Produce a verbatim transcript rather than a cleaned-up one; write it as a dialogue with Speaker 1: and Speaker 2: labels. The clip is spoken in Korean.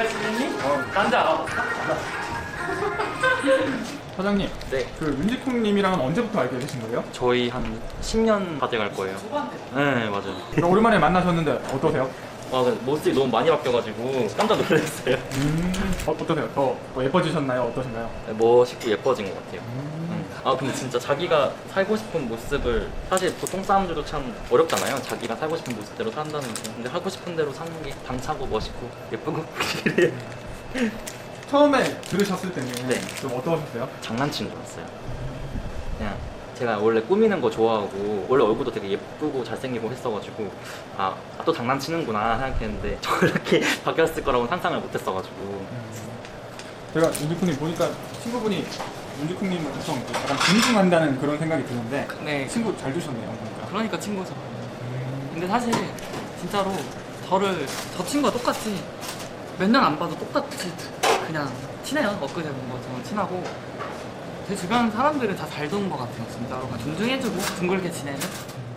Speaker 1: 잘 지냈니? 어, 난지 알아봤어?
Speaker 2: 사장님,
Speaker 3: 네.
Speaker 2: 그 윤지콩님이랑은 언제부터 알게 되신 거예요?
Speaker 3: 저희 한 십 년 다 돼갈 거예요. 네, 맞아요.
Speaker 2: 그럼 오랜만에 만나셨는데 어떠세요?
Speaker 3: 와, 근데 모습이 너무 많이 바뀌어가지고 깜짝 놀랐어요.
Speaker 2: 음, 어, 어떠세요? 더, 더 예뻐지셨나요? 어떠신가요?
Speaker 3: 멋있고 예뻐진 것 같아요. 음. 아, 근데 진짜 자기가 살고 싶은 모습을, 사실 보통 사람들도 참 어렵잖아요. 자기가 살고 싶은 모습대로 산다는 게. 근데 하고 싶은 대로 사는 게 당차고 멋있고 예쁘고 그래요.
Speaker 2: 처음에 들으셨을 때는
Speaker 3: 네.
Speaker 2: 좀 어떠셨어요?
Speaker 3: 장난친 줄 알았어요. 그냥 제가 원래 꾸미는 거 좋아하고 원래 얼굴도 되게 예쁘고 잘생기고 했어가지고 아, 또 장난치는구나 생각했는데 저렇게 바뀌었을 거라고 상상을 못했어가지고.
Speaker 2: 제가 윤지콩님 보니까 친구분이 윤지콩님 엄청 약간 존중한다는 그런 생각이 드는데
Speaker 1: 네.
Speaker 2: 친구 잘 두셨네요, 보니까.
Speaker 1: 그러니까 친구죠. 근데 사실 진짜로 저를 저 친구가 똑같이 몇 년 안 봐도 똑같이 그냥 친해요. 엊그제 본 것처럼 친하고 제 주변 사람들은 다 잘 도는 것 같아요. 진짜로 그냥 존중해주고 둥글게 지내는.